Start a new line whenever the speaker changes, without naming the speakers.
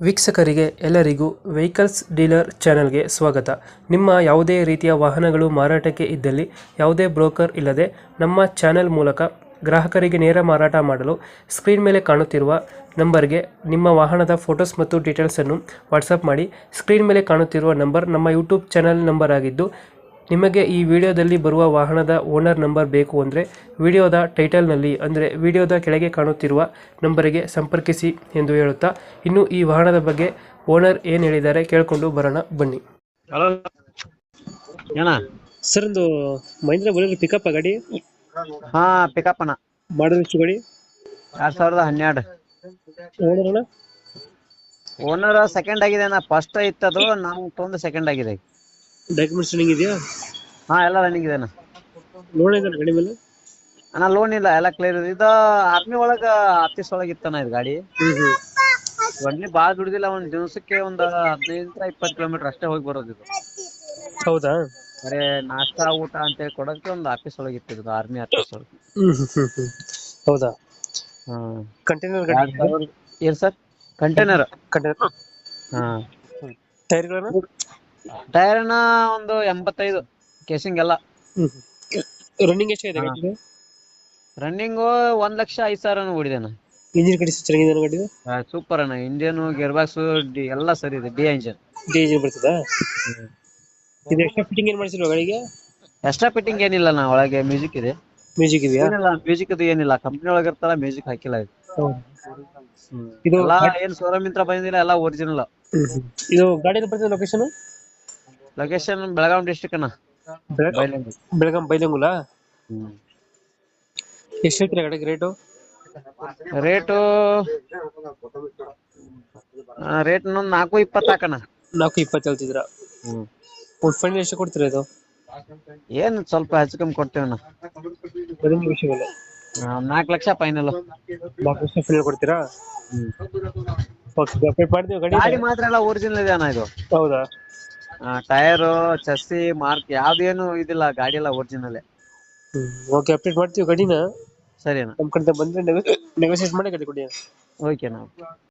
ವೀಕ್ಷಕರಿಗೆ ಎಲ್ಲರಿಗೂ vehicles dealer ಚಾನೆಲ್ಗೆ ಸ್ವಾಗತ. ನಿಮ್ಮ ಯಾವುದೇ ರೀತಿಯ ವಾಹನಗಳು ಮಾರಾಟಕ್ಕೆ ಇದ್ದಲ್ಲಿ ಯಾವುದೇ ಬ್ರೋಕರ್ ಇಲ್ಲದೆ ನಮ್ಮ ಚಾನೆಲ್ ಮೂಲಕ ಗ್ರಾಹಕರಿಗೆ ನೇರ ಮಾರಾಟ ಮಾಡಲು ಸ್ಕ್ರೀನ್ ಮೇಲೆ ಕಾಣುತ್ತಿರುವ ನಂಬರ್ಗೆ ನಿಮ್ಮ ವಾಹನದ ಫೋಟೋಸ್ ಮತ್ತು ಡೀಟೇಲ್ಸನ್ನು ವಾಟ್ಸಪ್ ಮಾಡಿ. ಸ್ಕ್ರೀನ್ ಮೇಲೆ ಕಾಣುತ್ತಿರುವ ನಂಬರ್ ನಮ್ಮ ಯೂಟ್ಯೂಬ್ ಚಾನೆಲ್ ನಂಬರ್ ಆಗಿದ್ದು, ನಿಮಗೆ ಈ ವಿಡಿಯೋದಲ್ಲಿ ಬರುವ ವಾಹನದ ಓನರ್ ನಂಬರ್ ಬೇಕು ಅಂದರೆ ವಿಡಿಯೋದ ಟೈಟಲ್ನಲ್ಲಿ ಅಂದರೆ ವಿಡಿಯೋದ ಕೆಳಗೆ ಕಾಣುತ್ತಿರುವ ನಂಬರಿಗೆ ಸಂಪರ್ಕಿಸಿ ಎಂದು ಹೇಳುತ್ತಾ, ಇನ್ನು ಈ ವಾಹನದ ಬಗ್ಗೆ ಓನರ್ ಏನು ಹೇಳಿದ್ದಾರೆ ಕೇಳಿಕೊಂಡು ಬರೋಣ ಬನ್ನಿ.
ಹಲೋ ಏನ
ಸರ್, ಒಂದು ಮಹೀಂದ್ರ ಬೊಲೆರೋ ಪಿಕಪ್ ಗಾಡಿ
ಹಾ ಪಿಕಪ್ ಅಣ್ಣ
ಮಾಡಲ್ ಎಷ್ಟು ಗಾಡಿ?
2012
ಓನರ್ ಅಣ್ಣ?
ಓನರ್ ಸೆಕೆಂಡ್ ಆಗಿದೆ ಅಣ್ಣ. ಫಸ್ಟ್ ಇತ್ತದು, ನಾವು ತೊಂದು ಸೆಕೆಂಡ್ ಆಗಿದೆ.
ಡಾಕ್ಯುಮೆಂಟ್ಸ್ ರನ್ನಿಂಗ್ ಇದೆಯಾ?
ಹಾ ಎಲ್ಲ ರನ್ನಿಂಗ್ ಇದೆ ಅಣ್ಣ.
ಲೋನ್ ಇದೆ ಗಾಡಿ ಮೇಲೆ?
ಅಣ್ಣ ಲೋನ್ ಇಲ್ಲ, ಎಲ್ಲ ಕ್ಲಿಯರ್ ಇದೆ. ಇದು ಆರ್ಮಿ ಒಳಗ ಆಫೀಸ್ ಒಳಗ ಇತ್ತಣ್ಣ ಇದು ಗಾಡಿ. ಒಡ್ಲಿ ಬಾಳ ದುಡ್ದಿಲ್ಲ, ಒಂದ್ ದಿವಸಕ್ಕೆ ಒಂದ್ 15-20 ಕಿಲೋಮೀಟರ್ ಅಷ್ಟೇ ಹೋಗಿ ಬರೋದು ಇದು.
ಹೌದಾ?
ಬರೇ ನಾಷ್ಟಾ ಊಟ ಅಂತೇಳಿ ಕೊಡಕ್ಕೆ ಒಂದು ಆಫೀಸ್ ಒಳಗೆ ಇತ್ತು, ಆರ್ಮಿ ಆಫೀಸ್ ಒಳಗೆ.
ಹೌದಾ?
ಹ್ಮ್.
ಕಂಟೈನರ್ ಗಾಡಿ
ಏನ್ ಸರ್? ಕಂಟೈನರ್. ಹಾ.
ಟೈರ್ಗಳನ್ನು?
ಟೈರ್ನ ಒಂದು 85 ಕೇಸಿಂಗ್ ಎಲ್ಲ.
ರನ್ನಿಂಗ್ ಎಷ್ಟಾಗಿದೆ ಗಾಡಿ?
ರನ್ನಿಂಗು 1,05,000 ಓಡಿದೆಣ್ಣ.
ಇಂಜಿನ್ ಕಂಡೀಷನ್ ಚೆನ್ನಾಗಿದೆ ಗಾಡಿ?
ಸೂಪರ್ ಅಣ್ಣ. ಇಂಡಿಯನ್ ಗೇರ್ ಬಾಕ್ಸ್ ಎಲ್ಲ ಸರಿ ಇದೆ. D engine.
ಡಿ ಇಂಜಿನ್ ಬರ್ತದಾ? ಇದು ಎಕ್ಸ್ಟ್ರಾ ಫಿಟ್ಟಿಂಗ್ ಏನು ಮಾಡಿಸಿಲ್ವಾ ಗಾಡಿಗೆ?
ಎಕ್ಸ್ಟ್ರಾ ಫಿಟ್ಟಿಂಗ್ ಏನಿಲ್ಲ ಅಣ್ಣ. ಒಳಗೆ ಮ್ಯೂಸಿಕ್ ಇದೆ.
ಮ್ಯೂಸಿಕ್ ಇದೆಯಾ?
ಮ್ಯೂಸಿಕ್ ಇದು ಏನಿಲ್ಲ, ಕಂಪ್ನಿ ಒಳಗೆ ಇರ್ತಲ್ಲ, ಮ್ಯೂಸಿಕ್ ಹಾಕಿಲ್ಲ ಇದು.
ಇದು
ಎಲ್ಲ ಏನ್ ಶೋರೂಮ್ ಇಂತ್ರ ಬಂದಿಲ್ಲ, ಎಲ್ಲ ಒರಿಜಿನಲ್.
ಇದು ಗಾಡಿ ಬರ್ತದೆ ಲೊಕೇಶನ್?
ಲೊಕೇಶನ್ ಬೆಳಗಾವಿ ಡಿಸ್ಟ್ರಿಕ್ಟ್ ಅಣ್ಣ.
ಬೆಳಗಾಂ ಬೈಲಂಗುಲ. ಎಷ್ಟು ಹೇಳ್ತೀರಾ ಗಾಡಿಗೆ ರೇಟು?
ರೇಟು ರೇಟ್ 420 ಹಾಕಣ್ಣ.
420 ಹೇಳ್ತಿದ್ರ? ಒಂದು ಫೈನಲ್ ಎಷ್ಟು ಕೊಡ್ತೀರಾ ಇದು?
ಏನ್ ಸ್ವಲ್ಪ ಹೆಚ್ಚು ಕಮ್ಮಿ ಕೊಡ್ತೇವಣ್ಣ. 4 ಲಕ್ಷ ಫೈನಲ್.
4 ಲಕ್ಷ ಫೈನಲ್ ಕೊಡ್ತೀರಾ? ಅಪ್ಡೇಟ್ ಮಾಡ್ತೀವಿ ಗಾಡಿ.
ಗಾಡಿ ಮಾತ್ರ ಎಲ್ಲ ಒರಿಜಿನಲ್ ಇದೆ ಅಣ್ಣ ಇದು.
ಹೌದಾ?
ಟೈರು, ಚಸ್ಸಿ, ಮಾರ್ಕ್ ಯಾವ್ದೇನು ಇದಿಲ್ಲ, ಗಾಡಿ ಎಲ್ಲ ಒರಿಜಿನಲ್.
ಓಕೆ, ಅಪ್ಡೇಟ್ ಮಾಡ್ತೀವಿ ಗಾಡಿನ.
ಸರಿ ಅಣ್ಣ.
ನಮ್ಮ ಕಡೆ ಬಂದ್ರೆ ನೆಗೋಸಿಯೇಟ್ ಮಾಡಿ ಗಾಡಿ ಕೊಡಿ.
ಓಕೆ ಅಣ್ಣ.